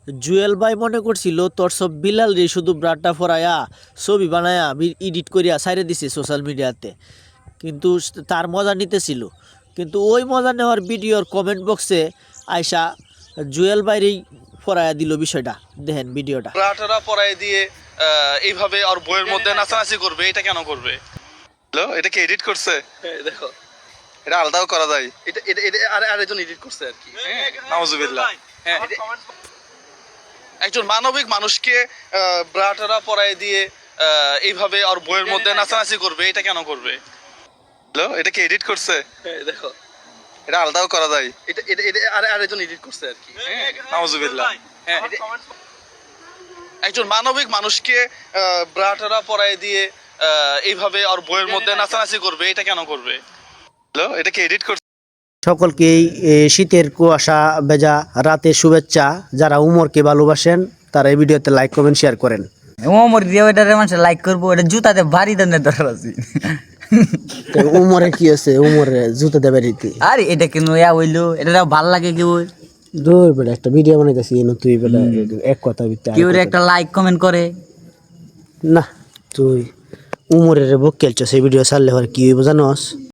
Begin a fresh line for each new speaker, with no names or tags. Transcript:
জুয়েল ভাই মনে করছিল তোর সব বিলাল রে শুধু ব্রাডটা ফরাইয়া ছবি বানায়া এডিট করিয়া সাইরে দিছে সোশ্যাল মিডিয়াতে, কিন্তু তার মজা নিতেছিল। কিন্তু ওই মজা নেওয়ার ভিডিওর কমেন্ট বক্সে আয়সা জুয়েল ভাইরেই ফরাইয়া দিল বিষয়টা। দেখেন ভিডিওটা।
ব্রাটারা পরাই দিয়ে এইভাবে আর বইয়ের মধ্যে নাচানাচি করবে, এটা কেন করবে? এটা কি এডিট করছে? দেখো, এটা আলাদাও করা যায়। এটা এটা এটা আরেকজন এডিট করছে আর কি। নাউজুবিল্লাহ। হ্যাঁ, একজন মানবিক মানুষকে ব্রাটারা পরাই দিয়ে এইভাবে আর বইয়ের মধ্যে নাচানাচি করবে, এটা কেন করবে? এটা কি এডিট করছে? দেখো, এটা আলাদাও করা যায়। এটা এটা এটা আরেকজন এডিট করছে আর কি। নাউজুবিল্লাহ। হ্যাঁ, একজন মানবিক মানুষকে ব্রাটারা পরাই দিয়ে এইভাবে আর বইয়ের মধ্যে নাচানাচি করবে, এটা কেন করবে? এটা কি এডিট করছে?
সকলকেই শীতের কুয়াশা ভেজা রাতের শুভেচ্ছা। যারা উমরকে ভালোবাসেন তারা এই ভিডিওতে লাইক কমেন্ট শেয়ার করেন।
ওমর দিয়ে ওইটারে মানুষ লাইক করবো, এটা জুতাতে ভারী দানের দরকার আছে।
উমরে কি আছে? উমরে জুতো দেবে রীতি।
আরে এটা কেন ইয়া হইলো, এটা ভাল লাগে কেউ
দূর বেটা, একটা ভিডিও বানাইতেছি তুই বেটা এক কথা ভিত্তি
কেউ একটা লাইক কমেন্ট করে
না। তুই উমরের বুক খেলছো, সেই ভিডিও ছাড়লে কি হইব জানোস?